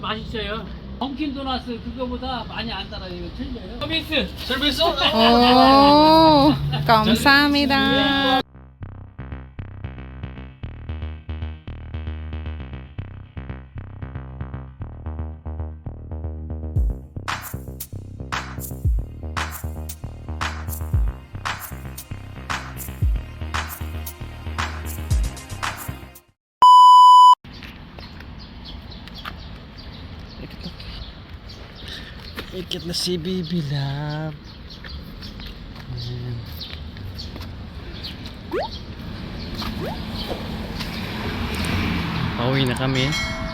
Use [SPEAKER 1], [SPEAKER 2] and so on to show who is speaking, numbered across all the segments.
[SPEAKER 1] 맛있어요. 던킨 도너스 그거보다 많이 안 달아요. 이거 틀려요. 서비스. 서비스.
[SPEAKER 2] 오, 감사합니다.
[SPEAKER 3] Ikit na si Bibi Love. Ayan. Pauwi na kami.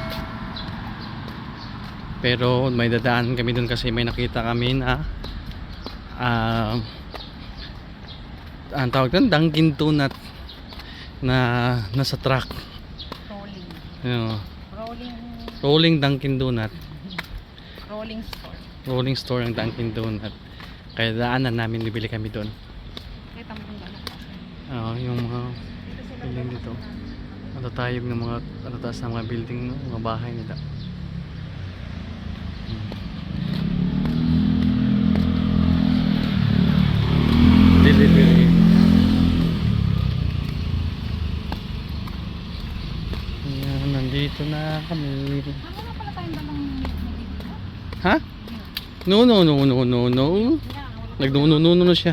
[SPEAKER 3] Pero may dadaan kami dun kasi may nakita kami na ang tawag doon, Dunkin Donut na nasa truck.
[SPEAKER 2] Rolling.
[SPEAKER 3] Rolling Dunkin Donut.
[SPEAKER 2] Rolling store.
[SPEAKER 3] Rolling store ng Dunkin Donut. Kaya daanan namin, bibili kami doon.
[SPEAKER 2] Kita mo kung gano'n.
[SPEAKER 3] Oo, yung mga building dito. Matatayog ng mga taas ng mga building, no? Mga bahay nila. Delivery. Ayan, nandito na kami.
[SPEAKER 2] Ano pala tayong dalang
[SPEAKER 3] Ha? No. Nagnuno siya.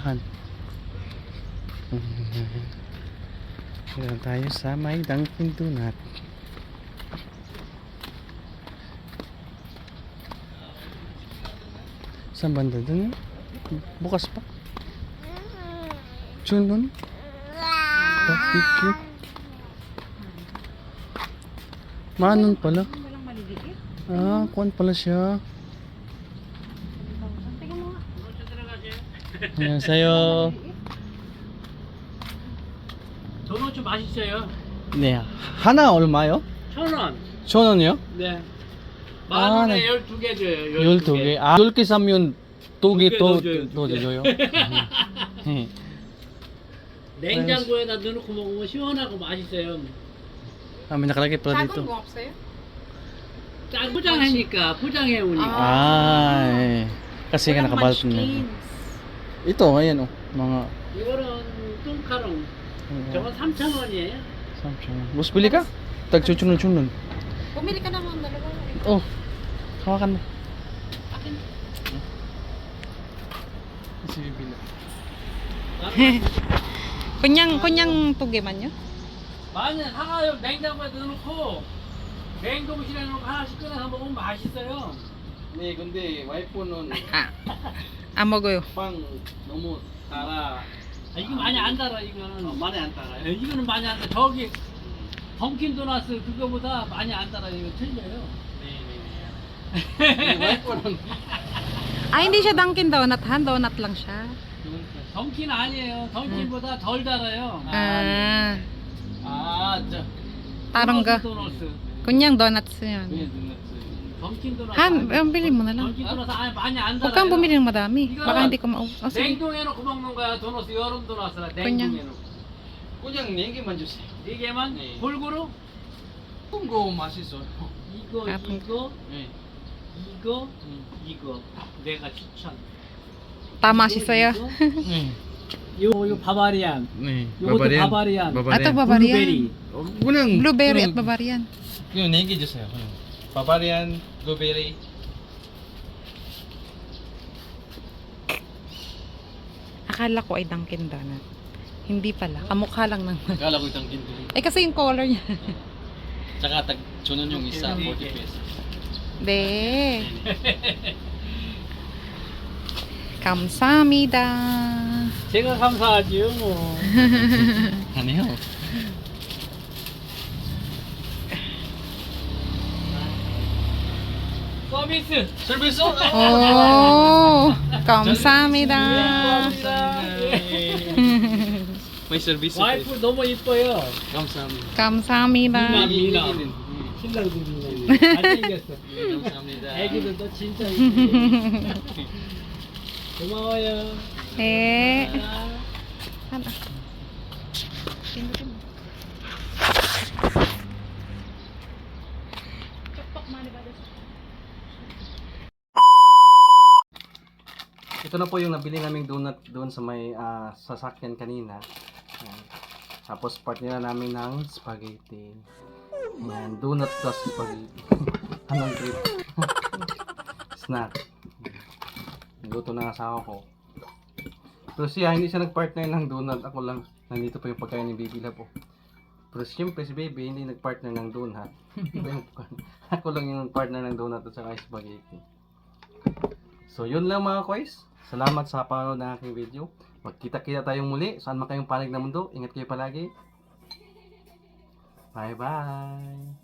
[SPEAKER 3] Kaya tayo sa may Dunkin Donut. Saan banda dun? Bukas pa. June nun? Picture. Manon pala.
[SPEAKER 2] walang maliliit.
[SPEAKER 3] Kuwan pala siya.
[SPEAKER 2] Tingnan mo nga.
[SPEAKER 3] 안녕하세요.
[SPEAKER 1] 도넛 맛있어요.
[SPEAKER 3] 네, 하나 얼마요?
[SPEAKER 1] 1,000원.
[SPEAKER 3] 1,000원이요?
[SPEAKER 1] 네.
[SPEAKER 3] 아,
[SPEAKER 1] 만 원에
[SPEAKER 3] 네.
[SPEAKER 1] 12개 줘요.
[SPEAKER 3] 12개. 10개 사면 2개 더
[SPEAKER 1] 두 개 더 줘요.
[SPEAKER 3] 줘요. 네.
[SPEAKER 1] 냉장고에다 넣어놓고 먹으면 시원하고 맛있어요.
[SPEAKER 3] May nakalagay pala
[SPEAKER 2] 작은
[SPEAKER 3] dito.
[SPEAKER 2] 거 없어요?
[SPEAKER 1] 짠 포장하니까 포장해 오니까.
[SPEAKER 3] Eh. Kasi nga nakabalot na. Ito, ayan oh. Mga
[SPEAKER 1] 이거는 뚱카롱. 저건 3,000원이에요.
[SPEAKER 3] 3,000. Bus, bili ka? Tag-chunun-chunun.
[SPEAKER 2] Bumili ka naman dalawa.
[SPEAKER 3] Oh. Hawakan mo.
[SPEAKER 2] Akin.
[SPEAKER 3] Kasi bibili.
[SPEAKER 2] kunyang tugiman nyo?
[SPEAKER 1] 많이 사가요. 냉장고에 넣어놓고 냉동실에 넣어놓고 하나씩 꺼내서 먹으면 맛있어요.
[SPEAKER 3] 네, 근데 와이프는
[SPEAKER 2] 먹어요.
[SPEAKER 3] 빵 너무 달아.
[SPEAKER 1] 이거 많이 안 달아 이거는.
[SPEAKER 3] 많이 안 달아요?
[SPEAKER 1] 네, 이거는 많이 안 달아. 저기 던킨 도너스 그거보다 많이 안 달아. 이거 틀려요.
[SPEAKER 3] 네, 와이프는
[SPEAKER 2] Hindi siya Dunkin Donut, donut lang siya.
[SPEAKER 1] 던킨 아니에요. 던킨보다 덜 달아요.
[SPEAKER 3] 저
[SPEAKER 2] Parang
[SPEAKER 1] 도너스.
[SPEAKER 2] kunyang donuts yun.
[SPEAKER 1] 던킨 도너스.
[SPEAKER 2] Bili mo na lang.
[SPEAKER 1] 던킨 도너스 많이 안 달아요.
[SPEAKER 2] Huwag kang bumili ng madami. Baka hindi ko maubos. Sige.
[SPEAKER 1] 냉동해놓고 먹는 거야. 도너스 여름 도너스라
[SPEAKER 2] 그냥.
[SPEAKER 1] 냉동해놓고.
[SPEAKER 3] 그냥 4개만 주세요.
[SPEAKER 1] 네 개만
[SPEAKER 3] 네.
[SPEAKER 1] 골고루.
[SPEAKER 3] 거 맛있어요.
[SPEAKER 1] 이거
[SPEAKER 2] 아,
[SPEAKER 1] 이거
[SPEAKER 3] 네.
[SPEAKER 1] 이거 내가 추천.
[SPEAKER 2] Tama siya sa'yo.
[SPEAKER 3] 네.
[SPEAKER 1] 요 바바리안.
[SPEAKER 3] 네.
[SPEAKER 1] 요것도 바바리안.
[SPEAKER 2] Ito Bavarian.
[SPEAKER 1] 블루베리.
[SPEAKER 3] 그냥
[SPEAKER 2] Blueberry at Bavarian.
[SPEAKER 3] 그냥 4개 주세요. 그냥. 바바리안, 블루베리.
[SPEAKER 2] Akala ko ay Dunkin Donut. Hindi pala. Kamukha lang ng...
[SPEAKER 3] Akala ko itang kinto.
[SPEAKER 2] kasi yung color niya.
[SPEAKER 3] Tsaka tag-chunon yung isa,
[SPEAKER 1] Okay.
[SPEAKER 3] 40 pesos.
[SPEAKER 2] 네. 감사합니다.
[SPEAKER 1] 제가 감사하지요. 뭐.
[SPEAKER 3] 아니요.
[SPEAKER 1] 서비스.
[SPEAKER 3] 서비스?
[SPEAKER 2] 오, 감사합니다.
[SPEAKER 3] May service.
[SPEAKER 1] 와이프 너무 이뻐요.
[SPEAKER 3] 감사합니다.
[SPEAKER 2] 감사합니다.
[SPEAKER 1] 미남. 신랑도 미남. 잘생겼어.
[SPEAKER 3] 감사합니다.
[SPEAKER 1] 애기들도 진짜 이쁘고. 고마워요.
[SPEAKER 2] 네.
[SPEAKER 1] 아.
[SPEAKER 2] 하나. 쪽pak mani ba?
[SPEAKER 3] ito na po yung nabili naming donut doon sa may sasakyan kanina. Ayan. Tapos partner na namin ng spaghetti. Ayan, donut plus spaghetti. Anong trip? Snack. Luto ng asawa ko. Pero siya, hindi siya nagpartner ng donut. Ako lang, nandito pa yung pagkain ni Baby Love. Pero siyempre si Baby hindi nagpartner ng donut. Ako lang yung partner ng donut at saka spaghetti. So yun lang mga koys. Salamat sa panonood ng aking video. Magkita-kita tayong muli. Saan man kayong panig na mundo. Ingat kayo palagi. Bye bye.